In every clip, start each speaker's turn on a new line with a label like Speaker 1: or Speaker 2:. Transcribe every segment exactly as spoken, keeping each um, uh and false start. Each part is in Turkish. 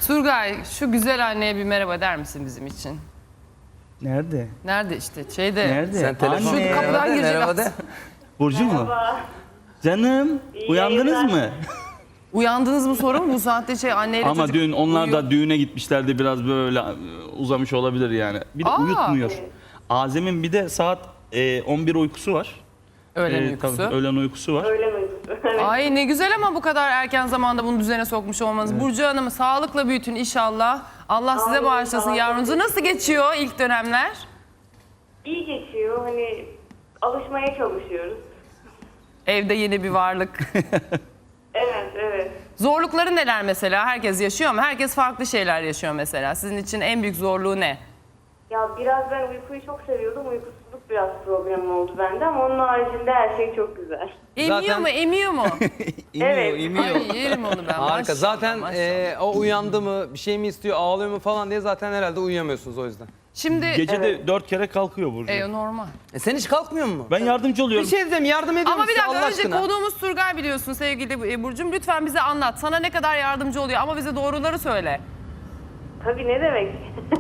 Speaker 1: Turgay, şu güzel anneye bir merhaba der misin bizim için?
Speaker 2: Nerede?
Speaker 1: Nerede işte? Şeyde.
Speaker 2: Nerede?
Speaker 3: Sen telefon
Speaker 2: Anne.
Speaker 1: Şu kapıdan girecek
Speaker 3: merhaba de.
Speaker 1: aslında.
Speaker 2: Burcu mu? Canım,
Speaker 4: İyi
Speaker 2: uyandınız
Speaker 4: yayınlar.
Speaker 2: mı?
Speaker 1: Uyandınız mı sorun mu? Bu saatte şey anneyle
Speaker 2: Ama
Speaker 1: çocuk
Speaker 2: dün onlar
Speaker 1: uyuyor.
Speaker 2: da düğüne gitmişlerdi, biraz böyle uzamış olabilir yani. Bir de
Speaker 1: Aa.
Speaker 2: uyutmuyor. Azem'in bir de saat e, on bir uykusu var.
Speaker 1: Öğlen
Speaker 2: E,
Speaker 1: uykusu.
Speaker 2: tabii, öğlen uykusu var.
Speaker 4: Öyle mi? Evet.
Speaker 1: Ay ne güzel ama bu kadar erken zamanda bunu düzene sokmuş olmanız. Burcu Hanım'ı sağlıkla büyütün inşallah. Allah size
Speaker 4: Amin,
Speaker 1: bağışlasın
Speaker 4: sağ olun.
Speaker 1: yavrunuzu. Nasıl geçiyor ilk dönemler?
Speaker 4: İyi geçiyor. Hani alışmaya çalışıyoruz.
Speaker 1: Evde yeni bir varlık.
Speaker 4: Evet, evet.
Speaker 1: Zorlukları neler mesela? Herkes yaşıyor ama herkes farklı şeyler yaşıyor mesela. Sizin için en büyük zorluğu ne?
Speaker 4: Ya biraz ben uykuyu çok seviyordum. Uykusuzluk biraz problemim oldu bende ama onun haricinde her şey çok güzel.
Speaker 1: Emiyor
Speaker 3: Zaten-
Speaker 1: mu, emiyor mu?
Speaker 3: İmiyor,
Speaker 4: Evet.
Speaker 3: imiyor.
Speaker 1: Ay yerim onu ben.
Speaker 3: Harika.
Speaker 1: Maşallah,
Speaker 3: Zaten
Speaker 1: maşallah.
Speaker 3: e, o uyandı mı, bir şey mi istiyor, ağlıyor mu falan diye zaten herhalde uyuyamıyorsunuz o yüzden.
Speaker 1: Şimdi
Speaker 2: Gece de dört kere kalkıyor Burcu.
Speaker 1: e, normal.
Speaker 3: E sen hiç kalkmıyor mu?
Speaker 2: Ben yardımcı
Speaker 3: Bir
Speaker 2: oluyorum.
Speaker 3: şey diyeceğim, yardım ediyor
Speaker 1: Ama bir
Speaker 3: musun
Speaker 1: dakika
Speaker 3: Allah
Speaker 1: önce
Speaker 3: aşkına?
Speaker 1: konuğumuz Turgay biliyorsun sevgili e, Burcu'm. Lütfen bize anlat. Sana ne kadar yardımcı oluyor ama bize doğruları söyle.
Speaker 4: Tabii ne demek?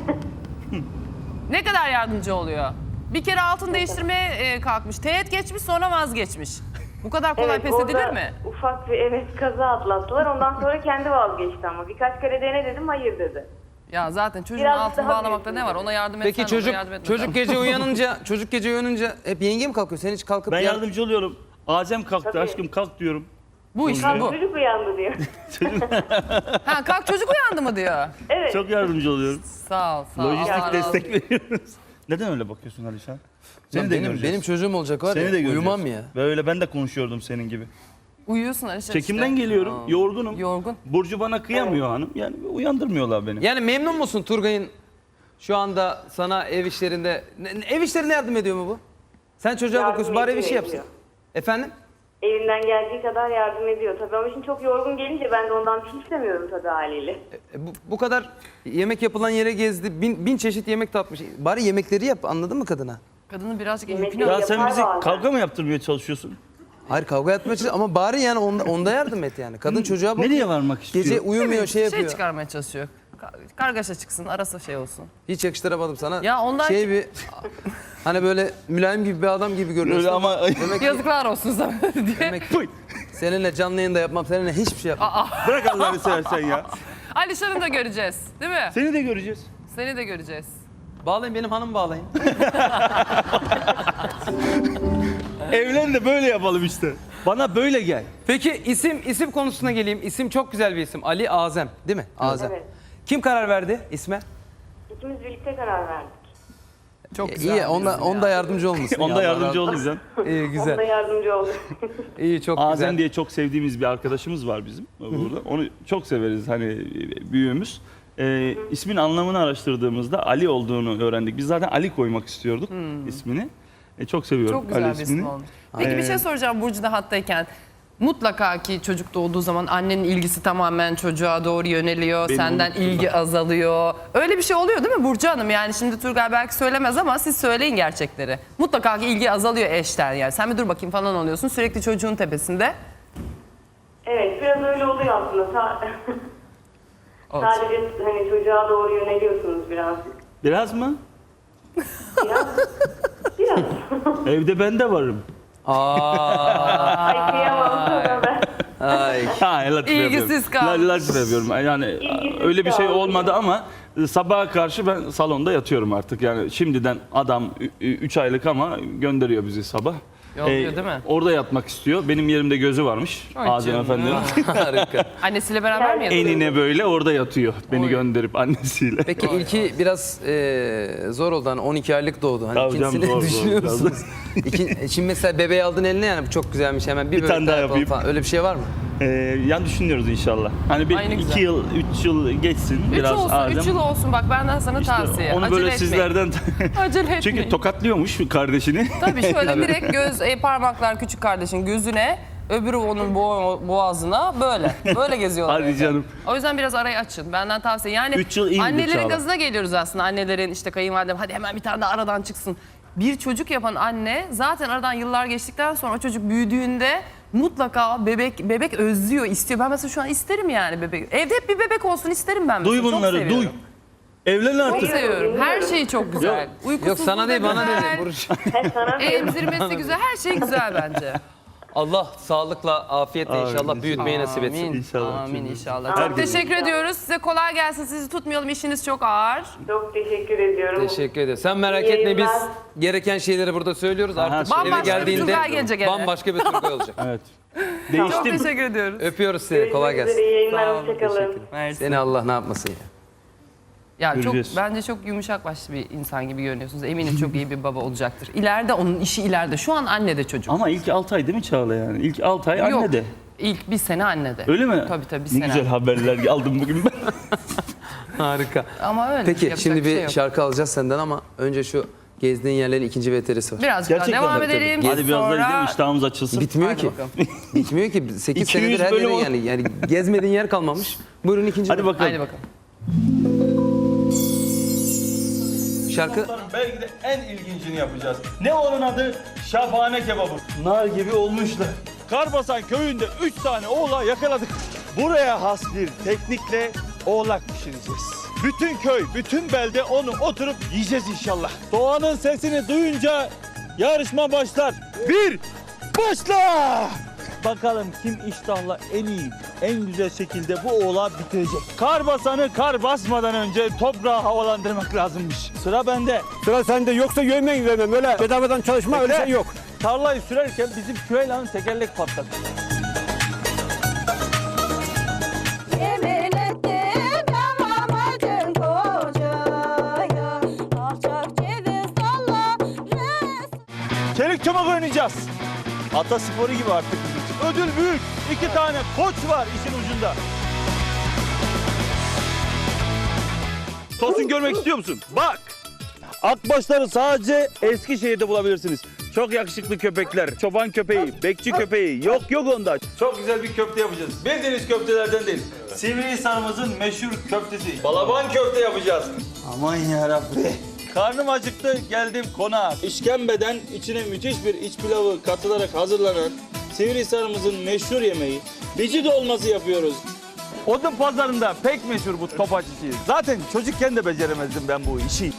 Speaker 1: Ne kadar yardımcı oluyor? Bir kere altın değiştirmeye e, kalkmış. Teğet geçmiş sonra vazgeçmiş. Bu kadar kolay
Speaker 4: Evet,
Speaker 1: pes
Speaker 4: orada
Speaker 1: edilir mi?
Speaker 4: ufak bir evet kaza atlattılar. Ondan sonra kendi vazgeçti ama. Birkaç kere dene dedim, hayır dedi.
Speaker 1: Ya zaten çocuğun
Speaker 4: Biraz
Speaker 1: altını
Speaker 4: daha
Speaker 1: bağlamakta ne var? Ona yardım etsen
Speaker 3: Peki
Speaker 1: olur,
Speaker 3: çocuk
Speaker 1: yardım etmesen
Speaker 3: çocuk
Speaker 1: olur.
Speaker 3: gece uyanınca çocuk gece uyanınca hep yenge mi kalkıyor? Sen hiç kalkıp
Speaker 2: Ben
Speaker 3: yar-
Speaker 2: yardımcı oluyorum. Azem kalktı,
Speaker 4: Tabii.
Speaker 2: aşkım kalk diyorum.
Speaker 1: Bu işte
Speaker 4: Kalk
Speaker 1: bu.
Speaker 4: çocuk uyandı diyor.
Speaker 1: Ha kalk çocuk uyandı mı diyor.
Speaker 4: Evet.
Speaker 2: Çok yardımcı oluyorum.
Speaker 1: Sağ ol sağ ol. Allah
Speaker 2: Lojistik
Speaker 1: razı
Speaker 2: destek
Speaker 1: olsun.
Speaker 2: veriyoruz. Neden öyle bakıyorsun Alişan? Seni
Speaker 3: Lan
Speaker 2: de
Speaker 3: benim,
Speaker 2: göreceğiz.
Speaker 3: benim çocuğum olacak var
Speaker 2: Seni
Speaker 3: ya,
Speaker 2: de göreceğiz.
Speaker 3: uyumam ya.
Speaker 2: Böyle ben de konuşuyordum senin gibi.
Speaker 1: Uyuyorsun Alişan
Speaker 2: Çekimden
Speaker 1: işte.
Speaker 2: geliyorum, yorgunum.
Speaker 1: Yorgun.
Speaker 2: Burcu bana kıyamıyor hanım. Yani uyandırmıyorlar beni.
Speaker 3: Yani memnun musun Turgay'ın şu anda sana ev işlerinde, ne- ev işlerine yardım ediyor mu bu? Sen çocuğa
Speaker 4: Yardım
Speaker 3: bakıyorsun, bari bir şey
Speaker 4: ediyor,
Speaker 3: yapsın.
Speaker 4: ediyor.
Speaker 3: Efendim?
Speaker 4: Elinden geldiği kadar yardım ediyor tabii ama şimdi çok yorgun gelince ben de ondan bir şey istemiyorum tabii haliyle.
Speaker 3: E, bu, bu kadar yemek yapılan yere gezdi, bin, bin çeşit yemek tatmış. Bari yemekleri yap, anladın mı kadına?
Speaker 1: Kadının birazcık
Speaker 4: Yemek
Speaker 1: yükünü
Speaker 2: Ya sen
Speaker 4: yapar
Speaker 2: bizi
Speaker 4: bazen.
Speaker 2: kavga mı yaptırmaya çalışıyorsun?
Speaker 3: Hayır, kavga etmeye çalışıyor ama bari yani onda, onda yardım et yani. Kadın çocuğa bakıyor.
Speaker 2: Nereye varmak istiyor?
Speaker 3: Gece uyumuyor, şey
Speaker 1: şey
Speaker 3: yapıyor.
Speaker 1: çıkarmaya çalışıyor. Kar- Kargaşa çıksın, arası şey olsun.
Speaker 3: Hiç yakıştıramadım sana.
Speaker 1: Ya ondan-
Speaker 3: Şey bir, hani böyle mülayim gibi bir adam gibi görünüyorsun
Speaker 2: Öyle ama
Speaker 3: Demek ki,
Speaker 1: Yazıklar olsun sana diye.
Speaker 3: demek ki seninle canlı yayında yapmam, seninle hiçbir şey yapmam.
Speaker 2: bırak Allah'ını seversen ya.
Speaker 1: Alişan'ı da göreceğiz değil mi?
Speaker 2: Seni de göreceğiz.
Speaker 1: Seni de göreceğiz.
Speaker 3: Bağlayın, benim hanım bağlayın.
Speaker 2: Evlen de böyle yapalım işte. Bana böyle gel.
Speaker 3: Peki isim isim konusuna geleyim. İsim çok güzel bir isim. Ali Azem, değil mi? Azem.
Speaker 4: Evet.
Speaker 3: Kim karar verdi isme?
Speaker 4: İkimiz birlikte karar verdik.
Speaker 1: Çok
Speaker 3: İyi,
Speaker 1: güzel.
Speaker 3: iyi
Speaker 1: bir
Speaker 3: onda
Speaker 1: isim
Speaker 3: onda
Speaker 1: ya.
Speaker 3: yardımcı olmasın.
Speaker 2: Onda
Speaker 3: ya, Allah
Speaker 2: yardımcı
Speaker 3: razı-
Speaker 2: olacaksın.
Speaker 3: İyi,
Speaker 4: Onda
Speaker 3: güzel.
Speaker 4: yardımcı oldu.
Speaker 3: İyi, çok
Speaker 2: Azem
Speaker 3: güzel.
Speaker 2: diye çok sevdiğimiz bir arkadaşımız var bizim burada. Onu çok severiz hani büyüğümüz. Ee, ismin anlamını araştırdığımızda Ali olduğunu öğrendik. Biz zaten Ali koymak istiyorduk ismini. E, çok seviyorum
Speaker 1: Çok güzel
Speaker 2: Ali
Speaker 1: bir
Speaker 2: ismini.
Speaker 1: isim olmuş. Peki bir
Speaker 2: Ee,
Speaker 1: şey soracağım Burcu da hattayken. Mutlaka ki çocuk doğduğu zaman annenin ilgisi tamamen çocuğa doğru yöneliyor.
Speaker 2: Beni
Speaker 1: senden
Speaker 2: unuttular.
Speaker 1: ilgi azalıyor. Öyle bir şey oluyor değil mi Burcu Hanım? Yani şimdi Turgay belki söylemez ama siz söyleyin gerçekleri. Mutlaka ki ilgi azalıyor eşten yani. Sen bir dur bakayım falan oluyorsun. Sürekli çocuğun tepesinde.
Speaker 4: Evet biraz öyle oluyor aslında. Sa-
Speaker 1: Olsun.
Speaker 4: Sadece hani çocuğa doğru yöneliyorsunuz birazcık.
Speaker 2: Biraz mı?
Speaker 4: Biraz. Biraz.
Speaker 2: Evde ben de varım.
Speaker 3: Aa,
Speaker 4: Ay kıyamam sana ben.
Speaker 3: ay.
Speaker 2: Ha, latif
Speaker 1: İlgisiz
Speaker 2: yapıyorum.
Speaker 1: kalmış.
Speaker 2: La- Latif yapıyorum. Yani
Speaker 4: İlgisiz
Speaker 2: öyle bir şey
Speaker 4: kalmış.
Speaker 2: olmadı ama sabaha karşı ben salonda yatıyorum artık. Yani şimdiden adam üç aylık ama gönderiyor bizi sabah.
Speaker 1: Yolluyor değil mi?
Speaker 2: Orada yatmak istiyor. Benim yerimde gözü varmış.
Speaker 1: Ay
Speaker 2: Azem
Speaker 1: canım.
Speaker 2: Efendi'nin.
Speaker 3: Harika.
Speaker 1: Annesiyle beraber mi yatıyor?
Speaker 2: Enine böyle orada yatıyor. Beni
Speaker 1: Oy.
Speaker 2: gönderip annesiyle.
Speaker 3: Peki ilki biraz e, zor oldu, hani on iki aylık doğdu. Hani
Speaker 2: Tabii canım,
Speaker 3: ikincisini
Speaker 2: zor, zor
Speaker 3: düşünüyor
Speaker 2: biraz.
Speaker 3: musunuz? İki, şimdi mesela bebeği aldın eline, yani bu çok güzelmiş, hemen bir,
Speaker 2: Bir
Speaker 3: bebek
Speaker 2: tane daha
Speaker 3: yapalım
Speaker 2: yapayım.
Speaker 3: falan. Öyle bir şey var mı?
Speaker 2: Ee, yani düşünüyoruz inşallah. Hani bir
Speaker 1: Ay ne
Speaker 2: iki
Speaker 1: güzel.
Speaker 2: yıl, üç yıl geçsin.
Speaker 1: Üç
Speaker 2: biraz
Speaker 1: olsun,
Speaker 2: Azem.
Speaker 1: üç yıl olsun. Bak benden sana
Speaker 2: İşte
Speaker 1: tavsiye.
Speaker 2: onu
Speaker 1: Acele
Speaker 2: böyle
Speaker 1: etmeyin.
Speaker 2: sizlerden...
Speaker 1: Acele etmeyin.
Speaker 2: Çünkü tokatlıyormuş kardeşini.
Speaker 1: Tabii şöyle direkt göz e, parmaklar küçük kardeşin gözüne, öbürü onun bo- boğazına böyle. Böyle geziyorlar.
Speaker 2: Hadi
Speaker 1: evde.
Speaker 2: canım.
Speaker 1: O yüzden biraz arayı açın. Benden tavsiye. Yani
Speaker 2: Üç yıl iyi bir
Speaker 1: annelerin
Speaker 2: çağla.
Speaker 1: gazına geliyoruz aslında. Annelerin işte kayınvalidem hadi hemen bir tane de aradan çıksın. Bir çocuk yapan anne zaten aradan yıllar geçtikten sonra o çocuk büyüdüğünde mutlaka bebek bebek özlüyor, istiyor. Ben mesela şu an isterim yani bebek. Evde hep bir bebek olsun isterim ben mesela.
Speaker 2: Duy
Speaker 1: Çok
Speaker 2: bunları,
Speaker 1: seviyorum.
Speaker 2: duy. Evlen
Speaker 1: Çok
Speaker 2: artık.
Speaker 1: seviyorum. Her şey çok güzel. Uykusuzluğu
Speaker 3: Yok sana
Speaker 1: da
Speaker 3: değil bana
Speaker 1: güzel,
Speaker 3: dedi. Burç.
Speaker 4: He, sana diyorum.
Speaker 1: Emzirmesi güzel. Her şey güzel bence.
Speaker 3: Allah sağlıkla, afiyetle
Speaker 2: Amin.
Speaker 3: inşallah büyütmeyi nasip etsin.
Speaker 1: Amin.
Speaker 2: İnşallah.
Speaker 1: Amin inşallah.
Speaker 4: Amin.
Speaker 1: Çok teşekkür ediyoruz. Size kolay gelsin. Sizi tutmayalım. İşiniz çok ağır.
Speaker 4: Çok teşekkür ediyorum.
Speaker 3: Teşekkür ederim. Sen merak
Speaker 4: İyi
Speaker 3: etme biz
Speaker 4: yayınlar.
Speaker 3: gereken şeyleri burada söylüyoruz. Artık
Speaker 2: Aha,
Speaker 3: eve
Speaker 1: bambaşka bir
Speaker 3: geldiğinde
Speaker 1: Turgay gelecek eve.
Speaker 3: bambaşka bir Turgay olacak.
Speaker 2: Evet.
Speaker 1: Çok
Speaker 2: Değiştim.
Speaker 1: teşekkür ediyoruz.
Speaker 3: Öpüyoruz seni. Kolay
Speaker 4: Görüşmek üzere,
Speaker 3: gelsin.
Speaker 4: iyi yayınlar,
Speaker 1: Sağ olun,
Speaker 4: hoşçakalın.
Speaker 1: Mersi.
Speaker 3: Seni Allah ne yapmasın ya.
Speaker 1: Ya çok
Speaker 2: Göreceğiz.
Speaker 1: bence çok yumuşak başlı bir insan gibi görünüyorsunuz. Eminim çok iyi bir baba olacaktır. İleride onun işi ileride. Şu an anne de çocuk.
Speaker 2: Ama ilk altı ay değil mi Çağla yani? İlk altı ay anne
Speaker 1: Yok.
Speaker 2: de.
Speaker 1: İlk bir sene anne de.
Speaker 2: Öyle mi?
Speaker 1: Tabii tabii bir
Speaker 2: Ne
Speaker 1: sene.
Speaker 2: güzel haberler aldım bugün ben.
Speaker 3: Harika.
Speaker 1: Ama öyle.
Speaker 3: Peki
Speaker 1: yapacak
Speaker 3: şimdi bir
Speaker 1: şey yok.
Speaker 3: şarkı alacağız senden ama önce şu gezdiğin yerlerin ikinci veterisi var.
Speaker 1: Birazcık daha
Speaker 2: Gerçekten
Speaker 1: devam
Speaker 2: tabii, tabii.
Speaker 1: edelim.
Speaker 2: Hadi biraz
Speaker 1: Sonra...
Speaker 2: daha gidelim iştahımız açılsın.
Speaker 3: Bitmiyor
Speaker 1: Hadi
Speaker 3: ki.
Speaker 1: bakalım.
Speaker 3: Bitmiyor ki. sekiz
Speaker 2: iki yüz
Speaker 3: senedir her
Speaker 2: bölüm
Speaker 3: yerin
Speaker 2: ol-
Speaker 3: yani. Yani gezmediğin yer kalmamış. Buyurun ikinci
Speaker 2: Hadi
Speaker 3: bölüm.
Speaker 2: bakalım.
Speaker 1: Hadi bakalım.
Speaker 3: Şarkı
Speaker 2: Belki de en ilgincini yapacağız. Ne onun adı? Şafane kebabı. Nar gibi olmuşlar. Karbasan köyünde üç tane oğlağı yakaladık. Buraya has bir teknikle oğlak pişireceğiz. Bütün köy, bütün belde onu oturup yiyeceğiz inşallah. Doğanın sesini duyunca yarışma başlar. Bir, başla! Bakalım kim iştahla en iyi, en güzel şekilde bu oğlağı bitirecek. Kar basanı kar basmadan önce toprağı havalandırmak lazımmış. Sıra bende.
Speaker 5: Sıra sende yoksa yövmen vermem öyle bedavadan çalışma öyle
Speaker 2: Bekle.
Speaker 5: şey yok.
Speaker 2: Tarlayı sürerken bizim Küheylan'ın tekerlek patladı.
Speaker 6: Yemin ettim yamanacın kocaya, alçak ceviz dalları.
Speaker 2: Çelik çomak oynayacağız. Ata sporu gibi artık bizim için. Ödül büyük. İki tane koç var işin ucunda. Tosun görmek istiyor musun? Bak. Akbaşları sadece Eskişehir'de bulabilirsiniz. Çok yakışıklı köpekler, çoban köpeği, bekçi köpeği. Yok yok onda. Çok güzel bir köfte yapacağız. Bildiğiniz köftelerden değil. Sivrihisar'ımızın meşhur köftesi. Balaban köfte yapacağız. Aman yarabbi. Karnım acıktı, geldim konağa. İşkembeden içine müthiş bir iç pilavı katılarak hazırlanan Sivrihisar'ımızın meşhur yemeği bici dolması yapıyoruz. Odun pazarında pek meşhur bu topaç işi. Zaten çocukken de beceremezdim ben bu işi.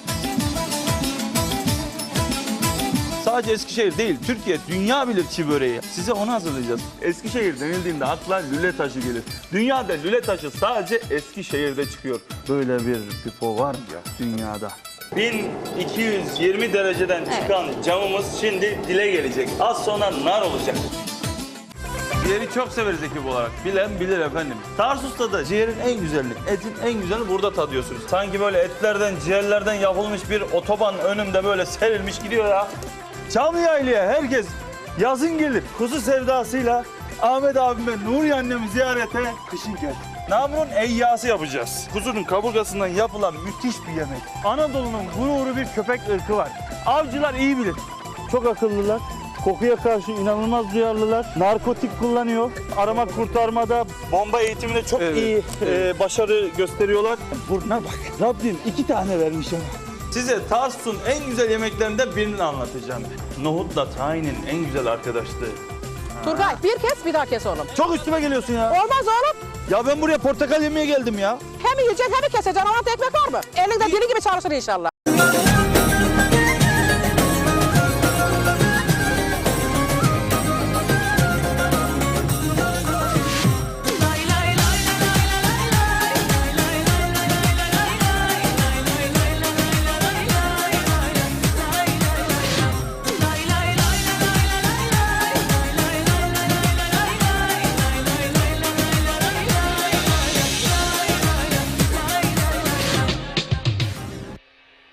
Speaker 2: Sadece Eskişehir değil, Türkiye, dünya bilir çiğ böreği. Size onu hazırlayacağız. Eskişehir denildiğinde akla lüle taşı gelir. Dünyada lüle taşı sadece Eskişehir'de çıkıyor. Böyle bir pipo var mı ya dünyada? bin iki yüz yirmi dereceden çıkan camımız şimdi dile gelecek. Az sonra nar olacak. Ciğeri çok severiz ekip olarak. Bilen bilir efendim. Tarsus'ta da ciğerin en güzeli, etin en güzelini burada tadıyorsunuz. Sanki böyle etlerden, ciğerlerden yapılmış bir otoban önümde böyle serilmiş gidiyor ya. Çamlıyayla'ya herkes yazın gelir. Kuzu sevdasıyla Ahmet abime, Nuriye annemi ziyarete kışın gel. Namrun eyyası yapacağız. Kuzunun kaburgasından yapılan müthiş bir yemek. Anadolu'nun gururu bir köpek ırkı var. Avcılar iyi bilir. Çok akıllılar. Kokuya karşı inanılmaz duyarlılar. Narkotik kullanıyor. Arama kurtarmada, bomba eğitiminde çok
Speaker 3: Evet,
Speaker 2: iyi
Speaker 3: evet.
Speaker 2: e, başarı gösteriyorlar. Burnuna bak. Rabbim iki tane vermiş ama. Size Tarsus'un en güzel yemeklerinden birini anlatacağım. Nohutla tahinin en güzel arkadaşlığı.
Speaker 7: Turgay bir kes bir daha kes oğlum.
Speaker 2: Çok üstüme geliyorsun ya.
Speaker 7: Olmaz oğlum.
Speaker 2: Ya ben buraya portakal yemeye geldim ya.
Speaker 7: Hem yiyeceksin hem keseceksin. Anlat ekmek var mı? Elinde dili gibi çalışır inşallah.